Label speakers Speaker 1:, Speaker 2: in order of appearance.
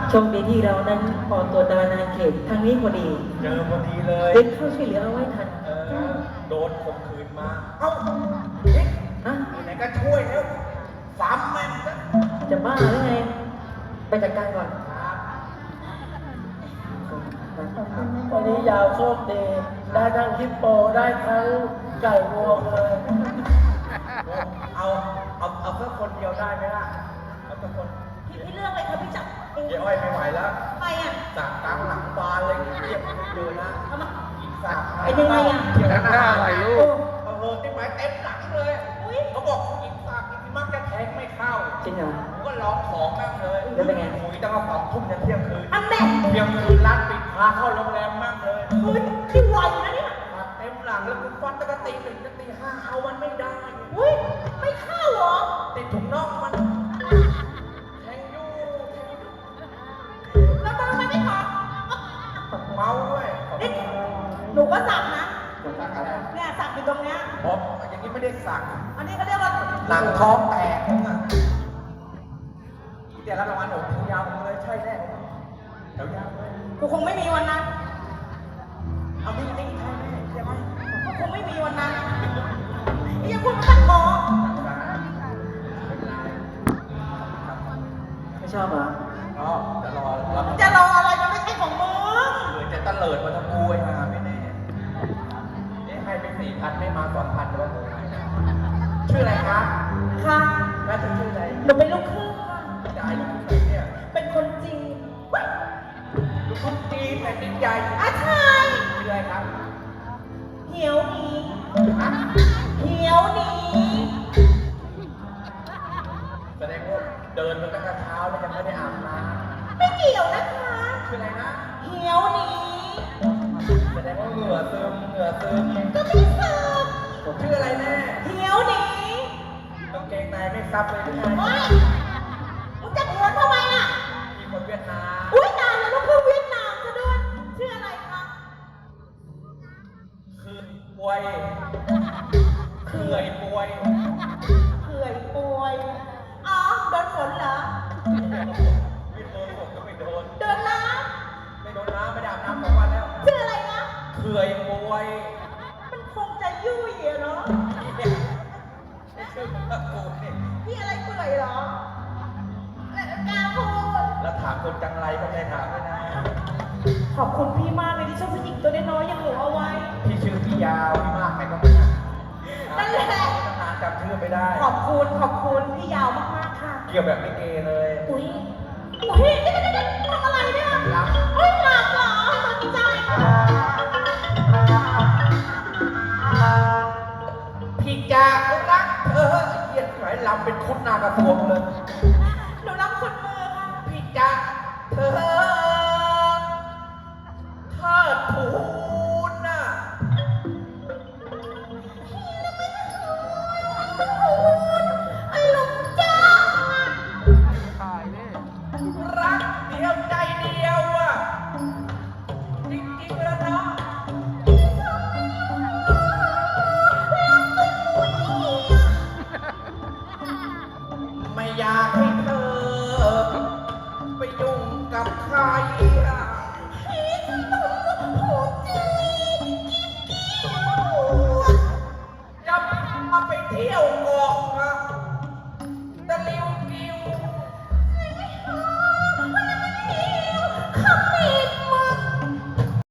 Speaker 1: โชคดีที่เรานั้นออกตัวตารางเขตทางนี้พอดี
Speaker 2: เจอพอดีเลย
Speaker 1: เด็กเข้าช่วยเหลือเอาไว้ทัน
Speaker 2: โดนข่มขืนมา เอ้าเอ๊ะ
Speaker 1: ฮะ
Speaker 2: ไหนก็ช่วยแล้วสามแม่งนะ
Speaker 1: จะบ้าหรือไง ไปจัดการก่อน
Speaker 3: วันนี้ยาวโชคดีได้ทั้งฮิปโปได้ทั้งไก่งวงเลย
Speaker 2: เอาแค่คนเดียวได้ไหมล่ะ เอาแค่คน
Speaker 4: พี่เลือกเลยค่ะพี่จับเอง
Speaker 2: เดี๋ยวอ้อยไม่ไหวแล้ว
Speaker 4: ไปอ่ะ
Speaker 2: จากกลางหลังบานเลยเรียบไม่เจอนะ
Speaker 4: เอามา
Speaker 2: อีกสาม
Speaker 4: เป็นยังไงอ่ะ
Speaker 2: เดี๋ยวหน้า
Speaker 5: หน่อยลูก
Speaker 2: โอ้โหที่หมายเต็มหลังเลย
Speaker 4: อุ้ย
Speaker 2: เขาบอกอีกสามอีกมักจะแทงไม่เข้า
Speaker 1: จริงเหรอ
Speaker 2: ผมก็ร้องของแม่งเลย
Speaker 1: แล้วเป็นไง
Speaker 2: คุยตั้งแต่2 ทุ่มยันเที่ยงคืน
Speaker 4: อันแม่
Speaker 2: เที่ยงคืนร้านปิดพาเข้าโรงแรมมากเลย
Speaker 4: อุ้ยที่ไวนะเนี่ย
Speaker 2: มาเต็มหลังแล้วกูฟันตั้งแต่ตี 1จนตี 5เอามันไม่ได้
Speaker 4: อุ้ยไม่เข้าเหรอ
Speaker 2: ติดถุงน่องมันแทงอยู่
Speaker 4: แล้วทำไมไม่ถอด
Speaker 2: เมาด้วย
Speaker 4: นี่หนูก็สักนะ
Speaker 2: สักอะไร
Speaker 4: เนี่ยสักอยู่ตรงเนี้ย
Speaker 2: ผมอย่างนี้ไม่ได้สัก
Speaker 4: อันนี้เขาเรียกว่า
Speaker 2: หนังท้องแตกมึงอะเดี๋ยวรับรางวัลหนูแถวยาวมึงเลยใช่แน่แถวยาวเลย
Speaker 4: กูคงไม่มีวันนั้น
Speaker 2: เอานี่ใช่แน่ใช่ไหม
Speaker 4: กูคงไม่มีวันนั้นยังพูดมาตั้งหมอ
Speaker 1: ไม่ชอบเหรอ
Speaker 2: อ๋อจะรอรับ
Speaker 4: จะรออะไรมันไม่ใช่ของมึง
Speaker 2: เผื่อจะตะเลิดมาทำกูไอ้ห่าไม่แน่เอ๊ะให้ไป4,000ไม่มา2,000ด้วยชื่ออะไรครับ
Speaker 4: ค่ะ
Speaker 2: แม่ถึงชื่ออะไร
Speaker 4: หนูเป็นลูกครึ่งค่ะ
Speaker 2: จะอายุเท่าไหร่เนี่ย
Speaker 4: เป็นคนจีนเว้ย
Speaker 2: ลูกคุณจีนแผ่นดินใหญ่
Speaker 4: อาชาย
Speaker 2: ชื่ออะไรครับ
Speaker 4: เหี่ยวหนี
Speaker 2: ฮะ
Speaker 4: เหี่ยวหนี
Speaker 2: แสดงว่าเดินมาตั้งแต่เช้าแล้วยังไม่ได้อาบน้
Speaker 4: ไม่เกี่ยวนะคะ
Speaker 2: ำชื่ออะไรนะ
Speaker 4: เหี่ยวหนี
Speaker 2: แสดงว่าเหงื่อซึมเหงื่อซึม
Speaker 4: ก็ไม่เสิร์ฟ
Speaker 2: ชื่ออะไรแน่
Speaker 4: เหี่ยวหนี
Speaker 2: กางเกงในไม่ซับเลยหรือไง
Speaker 4: โอ๊ยมึงจะหัวทำไมล่ะ
Speaker 2: มีคนเวียดนาม
Speaker 4: อุ้ยตายแล้วลูกครึ่งเวียดนามซะด้วยชื่ออะไรคะ
Speaker 2: คือป่วยเขื่อยป่วย
Speaker 4: เขื่อยป่วยอ๋อโดนฝนเหรอ
Speaker 2: ไม่โดนผมก็ไม่โดน
Speaker 4: โดนน้
Speaker 2: ไม่โดนน้ำไม่ได้อาบน้ำ2 วันแล้ว
Speaker 4: ำชื่ออะไรนะ
Speaker 2: เขื่อยป่วย
Speaker 4: มันคงจะยุ่ยอะเนาะ
Speaker 2: ไม่ชื่อตะกูนี่
Speaker 4: พี่อะไรเปื่อยเหรอแล้วกล้าพูด
Speaker 2: แล้วถามคนจังไรก็ไม่ถามด้วยนะ
Speaker 4: ขอบคุณพี่มากเลยที่ช่วยผู้หญิงตัวน้อยๆอย่างหนูเอาไว้
Speaker 2: พี่ชื่อพี่ยาวพี่มากใครก็ไม่รู้
Speaker 4: นั่นแหละ
Speaker 2: ตั้งนานจำชื่อไม่ได้
Speaker 4: ขอบคุณพี่ยาวมากๆค่ะ
Speaker 2: เกี่ยวแบบไม่เกเลย
Speaker 4: อุ้ยอุ้ยนี่ทำอะไรเนี่ย
Speaker 2: รับ
Speaker 4: เฮ้ยหลับเหรอสนใจ
Speaker 2: พี่จะรักเธอเยียดไหนลำเป็นคุดนากระทรวงเลย
Speaker 4: หนูรับคนมือค่ะ
Speaker 2: พี่จะเธอเทิดทูนน่ะ
Speaker 4: อารมณ์จ้า
Speaker 5: ถ่ายนี่
Speaker 2: รักเดียวใจเดียวอ่ะจริงๆแล้วเนาะไม่อยากให้เธอไปยุ่งกับใครอ่ะ